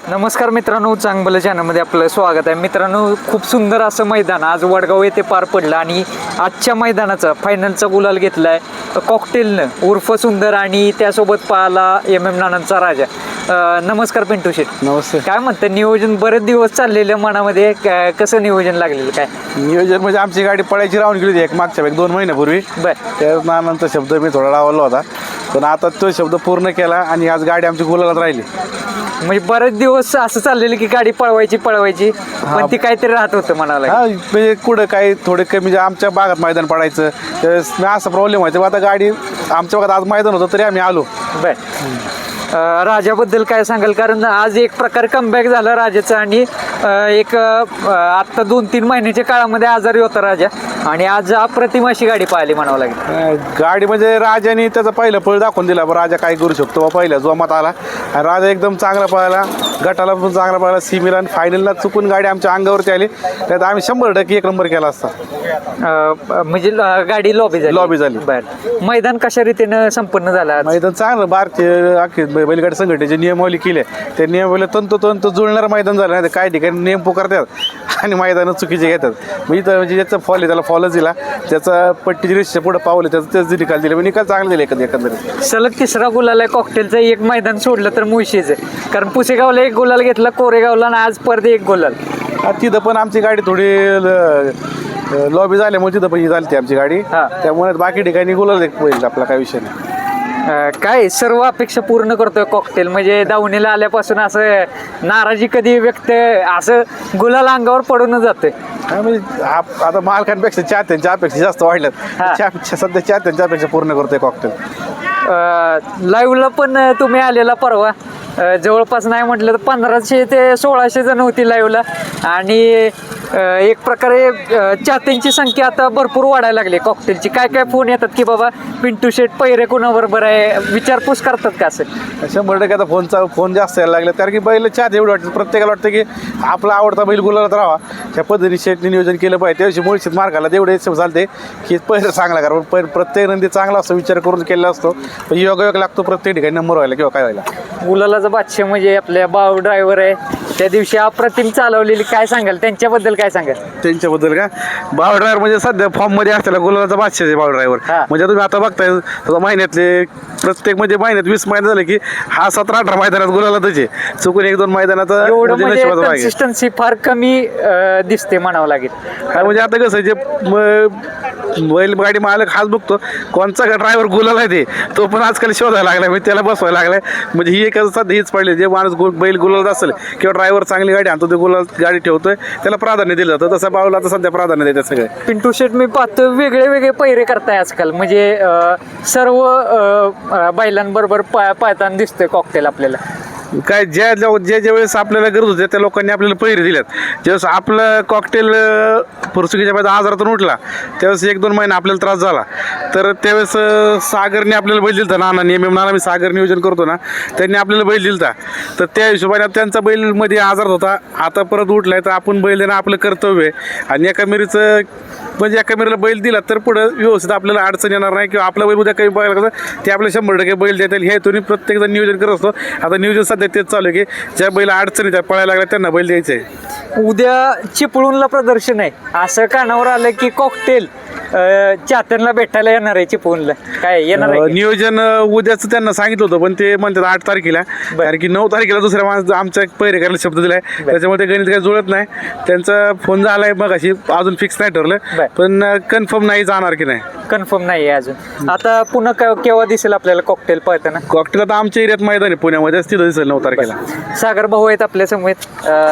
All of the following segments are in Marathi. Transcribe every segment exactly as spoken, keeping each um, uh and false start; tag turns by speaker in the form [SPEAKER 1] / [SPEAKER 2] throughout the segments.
[SPEAKER 1] नमस्कार मित्रांनो, चांगलं चॅनलमध्ये आपलं स्वागत आहे. मित्रांनो, खूप सुंदर असं मैदान आज वडगाव येथे पार पडलं आणि आजच्या मैदानाचा फायनलचा गुलाल घेतला आहे कॉकटेलनं उर्फ सुंदर आणि त्यासोबत पाहला एम एम नानांचा राजा. नमस्कार पिंटू शेठ.
[SPEAKER 2] नमस्ते.
[SPEAKER 1] काय म्हणतं नियोजन? बरेच दिवस चाललेलं मनामध्ये, कसं नियोजन लागलेलं? काय
[SPEAKER 2] नियोजन म्हणजे आमची गाडी पळायची राहून गेली होती एक मागच्या एक दोन महिन्यापूर्वी.
[SPEAKER 1] बर.
[SPEAKER 2] त्या नानांचा शब्द मी थोडा लावला होता, पण आता तो शब्द पूर्ण केला आणि आज गाडी आमची गुलालात राहिली.
[SPEAKER 1] म्हणजे बरेच दिवस असं चाललेलं की गाडी पळवायची पळवायची पण ती काहीतरी राहत होतं म्हणाला.
[SPEAKER 2] हा म्हणजे कुठं काही थोडे कमी म्हणजे आमच्या भागात मैदान पडायचं त्यावेळेस असा प्रॉब्लेम व्हायचा. आता गाडी आमच्या भागात आज मैदान होतं तरी आम्ही आलो.
[SPEAKER 1] बर. राजाबद्दल काय सांगाल? कारण आज एक प्रकारे कमबॅक झालं राजाचं आणि एक आत्ता दोन तीन महिन्याच्या काळामध्ये आजारी होता राजा आणि आज अप्रतिम अशी गाडी पाहिली म्हणावं लागेल.
[SPEAKER 2] गाडी म्हणजे राजाने त्याचा पहिलं पळ दाखवून दिला, राजा काय करू शकतो बा. पहिल्या जोमात आला आणि राजा एकदम चांगला पळाला, गटाला पण चांगला पळाला, सिमीला आणि फायनलला चुकून गाडी आमच्या अंगावरती आली त्यात आम्ही शंभर टक्के एक नंबर केला असता.
[SPEAKER 1] म्हणजे गाडी लॉबी झाली.
[SPEAKER 2] लॉबी झाली.
[SPEAKER 1] बरं. मैदान कशा रीतीनं संपन्न झालं?
[SPEAKER 2] मैदान चांगलं बारचे अख्खे बैलगाडी संघटनेचे नियमावली केले, त्या नियमावली तंतोतंत जुळणारं मैदान झालं नाही. काही ठिकाणी नियम पुकारतात आणि मैदानं चुकीचे घेतात. मी तर म्हणजे ज्याचा फॉल आहे त्याला फॉलच दिला, त्याचा पट्टीची रेषेच्या पुढे पावले त्याचं तेच निकाल दिले. निकाल चांगले दिले एकंदर एकंदरीत.
[SPEAKER 1] सलग तिसरा गुलाल आहे कॉकटेलचा. एक मैदान सोडलं तर मुळशीच आहे, कारण पुसेगावला एक गुलाल घेतला, कोरेगावला आणि आज परत एक गुलाल.
[SPEAKER 2] तिथं पण आमची गाडी थोडी लॉबी झाल्यामुळे तिथं पण ही झाली आमची गाडी, त्यामुळे बाकी ठिकाणी गुलाल होईल आपला काही विषय नाही.
[SPEAKER 1] काय सर्व अपेक्षा पूर्ण करतोय कॉकटेल? म्हणजे दावणीला आल्यापासून असं नाराजी कधी व्यक्त, असं गुलाल अंगावर पडून जातोय?
[SPEAKER 2] म्हणजे आता मालकांपेक्षा चाहत्यांच्या अपेक्षा जास्त वाढल्यात. सध्या चाहत्यांच्या अपेक्षा पूर्ण करतोय कॉकटेल.
[SPEAKER 1] लाईव्हला पण तुम्ही आलेला परवा, जवळपास नाही म्हटलं तर पंधराशे ते सोळाशे जण होती लाईव्हला आणि एक प्रकारे चाहत्यांची संख्या आता भरपूर वाढायला लागली कॉकटेलची. काय काय फोन येतात की बाबा पिंटू शेट पहिरे कोणाबरोबर आहे, विचारपूस करतात का? असं
[SPEAKER 2] शंभर टक्के आता फोनचा फोन जास्त यायला लागले, कारण की बैल चाहते एवढं वाटतं, प्रत्येकाला वाटतं की आपला आवडता बैल गुलालात राहावा. त्या पद्धतीने शेटने नियोजन केलं पाहिजे. त्याविषयी मुळशीत मार्गाला तेवढे चालते की पहिलं चांगला करा, पण प्रत्येक नंदी चांगला असतो विचार करून केलेला असतो. पण योगायोग लागतो प्रत्येक ठिकाणी नंबर व्हायला किंवा काय व्हायला.
[SPEAKER 1] गुलालाचा बादशाह म्हणजे आपल्या बाव ड्रायव्हर आहे, त्या दिवशी अप्रतिम चालवलेली. काय सांगाल त्यांच्याबद्दल? काय सांगाल
[SPEAKER 2] त्यांच्याबद्दल? का बाव ड्रायव्हर म्हणजे सध्या फॉर्म मध्ये असलेला गुलालाचा बादशाह आहे बाव ड्रायव्हर. म्हणजे तुम्ही आता बघताय महिन्यातले प्रत्येक म्हणजे महिन्यात वीस मैदान झाले की हा सतरा अठरा मैदानात गुलालातच आहे. चुकून एक दोन मैदानात
[SPEAKER 1] कन्सिस्टन्सी फार कमी दिसते म्हणावं लागेल.
[SPEAKER 2] म्हणजे आता कसं जे बैलगाडी मालक हाच बघतो कोणचा ड्रायव्हर गुलाल आहे ते, तो पण आजकाल शोधायला लागलाय, म्हणजे त्याला बसवायला लागलाय. म्हणजे ही एक सध्या हीच पडली, जे माणूस बैल गुलाल असेल किंवा ड्रायव्हर चांगली गाडी आणतो ते गुलाल गाडी ठेवतोय त्याला प्राधान्य दिलं जातं. तसं बाळूला आता सध्या प्राधान्य देतात सगळे.
[SPEAKER 1] पिंटू शेट मी पाहतो वेगळे वेगळे पहिरे करताय आजकाल, म्हणजे सर्व बैलांबरोबर पाहताना दिसतोय कॉकटेल आपल्याला.
[SPEAKER 2] काय ज्या ज्या ज्या वेळेस आपल्याला गरज होते त्या लोकांनी आपल्याला पहिरे दिल्यात. ज्यावेळेस आपलं कॉकटेल फुरसुकीच्या बाजू आजारातून उठला त्यावेळेस एक दोन महिने आपल्याला त्रास झाला, तर त्यावेळेस सागरने आपल्याला बैल दिलता. नाना एम एम नाना मी सागर नियोजन करतो ना, त्यांनी आपल्याला बैल दिलता. तर त्या हिशोबाने त्यांचा बैलमध्ये आजार होता, आता परत उठलाय, तर आपण बैल देणं आपलं कर्तव्य आहे. आणि एका मिरीचं म्हणजे एका मिरीला बैल दिला तर पुढं व्यवस्थित आपल्याला अडचण येणार नाही किंवा आपला बैल उद्या काही बघायला कसं ते आपल्याला शंभर टक्के बैल देता येईल हे तुम्ही प्रत्येकजण नियोजन करत असतो. आता नियोजन सध्या तेच चालू आहे की ज्या बैल अडचणी त्या पळायला लागल्या त्यांना बैल द्यायचं आहे.
[SPEAKER 1] उद्या चिपळूणला प्रदर्शन आहे, असं कानावर आलं की कॉकटेल चाहत्यांना भेटायला येणार आहे चिपळूणला. काय येणार आहे?
[SPEAKER 2] नियोजन उद्याच त्यांना सांगितलं होतं, पण ते म्हणतात आठ तारखेला, कारण की नऊ तारखेला दुसऱ्या माणूस आमच्या पहिरे करायला शब्द दिलाय, त्याच्यामुळे ते गणित काही जुळत नाही. त्यांचा फोन झालाय मग अशी अजून फिक्स नाही ठरलं, पण कन्फर्म नाही जाणार की नाही
[SPEAKER 1] कन्फर्म नाही आहे अजून. आता पुन्हा केव्हा दिसेल आपल्याला कॉकटेल पळताना?
[SPEAKER 2] कॉकटेल आता आमच्या एरियात मैदान आहे पुण्यामध्ये, तिथं दिसेल नऊ तारखेला.
[SPEAKER 1] सागर भाऊ आहेत आपल्या समोर,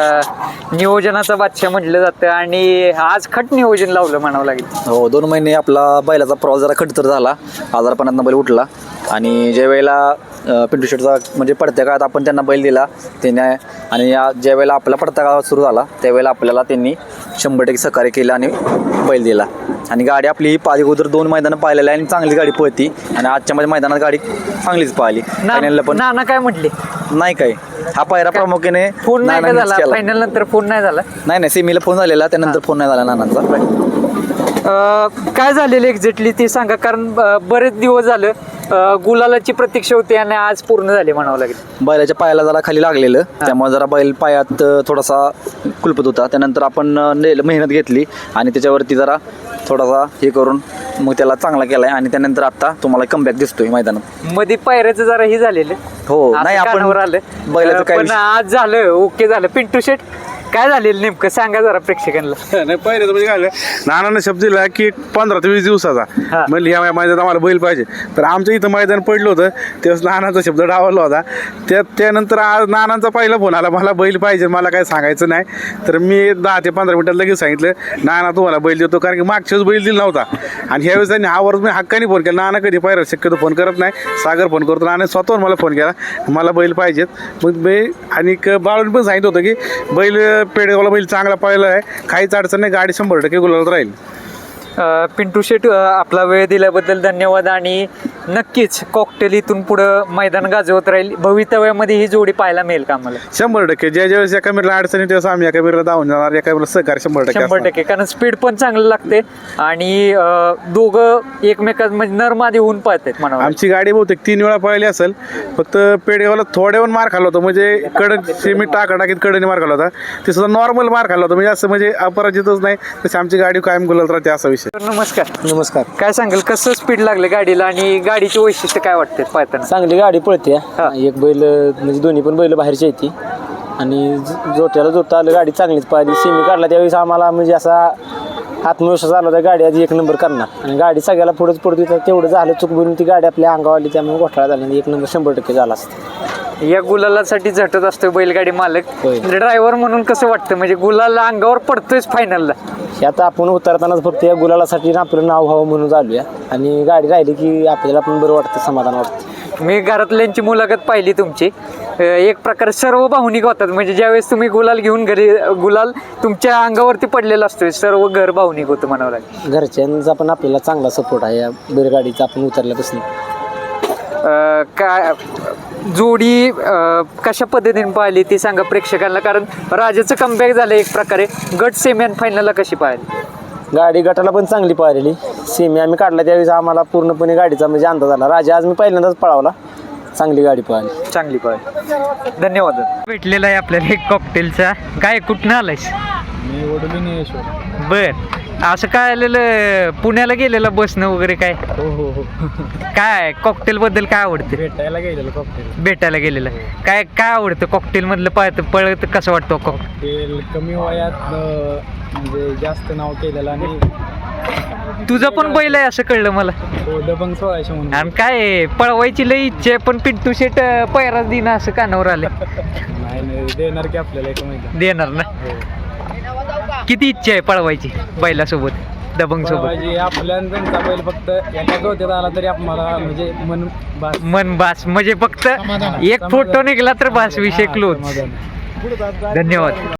[SPEAKER 1] नियोजनाचा बादशाह म्हटलं जातं आणि आज खट नियोजन लावलं म्हणावं लागेल.
[SPEAKER 3] हो, दोन महिने आपला बैलाचा प्रवास जरा खडतर झाला, आजारपणातनं बैल उठला आणि ज्या वेळेला पिंटू शेटचा म्हणजे पडत्या काळात आपण त्यांना बैल दिला त्याने, आणि या ज्या वेळेला आपला पडत्या काळात सुरू झाला त्यावेळेला आपल्याला त्यांनी शंभर टक्के सहकार्य केलं आणि बैल दिला. आणि गाडी आपली ही पाच अगोदर दोन मैदानं पाहिलेली आहे आणि चांगली गाडी पळती आणि आजच्या माझ्या मैदानात गाडी चांगलीच पाहिली. फायनलला पण
[SPEAKER 1] नाना काय म्हटले?
[SPEAKER 3] नाही काय हा पायरा प्रामुख्याने
[SPEAKER 1] फोन नाही झाला, फायनल नंतर फोन नाही झाला.
[SPEAKER 3] नाही नाही सेमीला फोन झालेला, त्यानंतर फोन नाही झाला नानांचा.
[SPEAKER 1] अं, काय झालेलं एक्झॅक्टली ते सांगा, कारण अं, बरेच दिवस झालं अं, गुलालाची प्रतीक्षा होती आणि आज पूर्ण झाली म्हणावं लागेल.
[SPEAKER 3] बैलाच्या पायाला जरा खाली लागलेलं, त्यामुळे जरा बैल पायात अ, थोडासा कुलपत होता. त्यानंतर आपण अ, ने- मेहनत घेतली आणि त्याच्यावरती जरा थोडासा हे करून मग त्याला चांगला केलाय आणि त्यानंतर आता तुम्हाला कमबॅक दिसतोय मैदानात.
[SPEAKER 1] मध्ये पायऱ्याचं जरा हे झालेलं.
[SPEAKER 3] हो,
[SPEAKER 1] असं
[SPEAKER 3] नाही, आपण
[SPEAKER 1] कानावर आलं.
[SPEAKER 3] बैलाचं
[SPEAKER 1] अं,
[SPEAKER 3] काय
[SPEAKER 1] पण
[SPEAKER 3] विषय-
[SPEAKER 1] आज झालं, ओके झालं. पिंटू शेट काय झालेलं नेमकं सांगा जरा प्रेक्षकांना.
[SPEAKER 2] नाही पहिले म्हणजे काय झालं, नानानं शब्द दिला की पंधरा ते वीस
[SPEAKER 1] हा.
[SPEAKER 2] दिवसाचा म्हणजे ह्या मैदानात आम्हाला बैल पाहिजे. तर आमच्या इथं मैदान पडलं होतं तेव्हा नानाचा शब्द डावलला होता. त्या त्यानंतर आज नानांचा पहिला फोन आला, मला बैल पाहिजे, मला काय सांगायचं नाही. तर मी दहा ते पंधरा मिनिटात लगेच सांगितलं नाना तुम्हाला बैल देतो, कारण की मागच्या वेळेस बैल दिला नव्हता आणि ह्यावेळेस त्यांनी हा वर्ष मी हक्काने फोन केला. नाना कधी पाहिजे शक्यतो फोन करत नाही, सागर फोन करतो. नाना स्वतःहून मला फोन केला, मला बैल पाहिजेत. मग मी आणि बाळून पण सांगितलं होतं की बैल पेडगावला बैल चांगला पाहिला आहे, काहीच अडचण नाही, गाडी शंभर टक्के गुलालात राहील.
[SPEAKER 1] अं, पिंटू शेट, अं, आपला वेळ दिल्याबद्दल धन्यवाद आणि नक्कीच कॉकटेल इथून पुढं मैदान गाजवत राहील. भवितव्यामध्ये ही जोडी पाहायला मिळेल का आम्हाला?
[SPEAKER 2] शंभर टक्के ज्या ज्यावेळेस एका मिरला अडचणी त्यावेळेस आम्ही एका मिरला धावून जाणार, एका मिरला सहकार शंभर टक्के
[SPEAKER 1] शंभर
[SPEAKER 2] असणार.
[SPEAKER 1] टक्के, कारण स्पीड पण चांगलं लागते आणि अं, दोघं एकमेकात म्हणजे नरमादी होऊन पाहतात म्हणा.
[SPEAKER 2] आमची गाडी बहुतेक तीन वेळा पळाली असेल, फक्त पेडगावला थोड्यावर मार खाल्ला होता, म्हणजे कड सेमी टाकाटाकीत कडे मार खाल्ला होता. ते सुद्धा नॉर्मल मार खाल्ला होता, म्हणजे असं म्हणजे अपराजितच नाही. तशी आमची गाडी कायम गुलाल राहते असा विषय.
[SPEAKER 1] नमस्कार.
[SPEAKER 4] नमस्कार.
[SPEAKER 1] काय सांगाल, कसं स्पीड लागलं गाडीला आणि गाडीची वैशिष्ट्य काय वाटते पाहताना?
[SPEAKER 4] चांगली गाडी पळते.
[SPEAKER 1] हा.
[SPEAKER 4] एक बैल म्हणजे दोन्ही पण बैल बाहेरची येते आणि ज- जोट्याला जोता आलं, गाडी चांगलीच पाहिली. सेमी काढला त्यावेळेस आम्हाला म्हणजे असा आत्मविश्वास आला होता गाडी आधी एक नंबर करणार आणि गाडी सगळ्याला पुढंच पडत होती. तेवढं झालं चूक बनून ती गाडी आपल्या अंगावर आली, त्यामुळे घोटाळा झाला आणि एक नंबर शंभर टक्के झाला असतं.
[SPEAKER 1] या गुलालासाठी झटत असतोय बैलगाडी मालक,
[SPEAKER 4] होय.
[SPEAKER 1] ड्रायव्हर म्हणून कसं वाटतं, म्हणजे गुलाल अंगावर पडतोयच फायनलला?
[SPEAKER 4] हे आता आपण उतरतानाच फक्त या गुलालासाठी आपलं नाव व्हावं म्हणून चालूया आणि गाडी राहिली की आपल्याला पण बरं वाटतं, समाधान वाटतं.
[SPEAKER 1] मी घरातल्यांची मुलाखत पाहिली तुमची. अ, एक प्रकारे सर्व भावनिक होतात, म्हणजे ज्यावेळेस तुम्ही गुलाल घेऊन घरी, गुलाल तुमच्या अंगावरती पडलेला असतोय, सर्व घर भावनिक होतं म्हणावं लागेल.
[SPEAKER 4] घरच्यांचा पण आपल्याला चांगला सपोर्ट आहे या बैलगाडीचा आपण उतरल्यापासून.
[SPEAKER 1] अ, काय जोडी अ, कशा पद्धतीने पाहिली ती सांगा प्रेक्षकांना, कारण राजाचं कमबॅक झालं एक प्रकारे. गट सेमी आणि फायनलला कशी पाहिली?
[SPEAKER 4] गाडी गटाला पण चांगली पाहिलेली. सेमी आम्ही काढला त्यावेळेस आम्हाला पूर्णपणे गाडीचा म्हणजे अंदाज आला. राजा आज मी पहिल्यांदाच पळावला, चांगली गाडी पाहिली.
[SPEAKER 1] चांगली पाहिली. धन्यवाद. भेटलेला आहे आपल्याला एक कॉकटेलचा. काय कुठनं आलायस?
[SPEAKER 5] मी वडोली.
[SPEAKER 1] बर, असं काय आलेलं, पुण्याला गेलेलं बसनं वगैरे काय?
[SPEAKER 5] हो हो हो
[SPEAKER 1] काय कॉकटेल बद्दल काय आवडतं?
[SPEAKER 5] भेटायला गेलेलो कॉकटेल.
[SPEAKER 1] भेटायला गेलेलं काय काय आवडतं कॉकटेल मधलं? पळत पळत कसं वाटतं कॉक
[SPEAKER 5] कॉकटेल कमी वयात अं, म्हणजे जास्त नाव केलेलं आणि
[SPEAKER 1] तुझं पण बैल आहे असं कळलं मला.
[SPEAKER 5] हो दबंग सोळाशे म्हणून.
[SPEAKER 1] आणि काय आहे, पळवायची लई इच्छा आहे, पण पिंटू शेट पैराच दिन असं कानावर आले.
[SPEAKER 5] नाही नाही देणार की आपल्याला एक माहिती.
[SPEAKER 1] देणार ना? किती इच्छा आहे पळवायची बैलासोबत, दबंग सोबत?
[SPEAKER 5] म्हणजे आपल्या आणि त्यांचा बैल फक्त एका गोत्यात आला तरी आम्हाला म्हणजे मन बास.
[SPEAKER 1] मन बास, म्हणजे फक्त एक फोटो निघाला तर बास, विषय क्लोज.
[SPEAKER 5] समाधान.
[SPEAKER 1] धन्यवाद.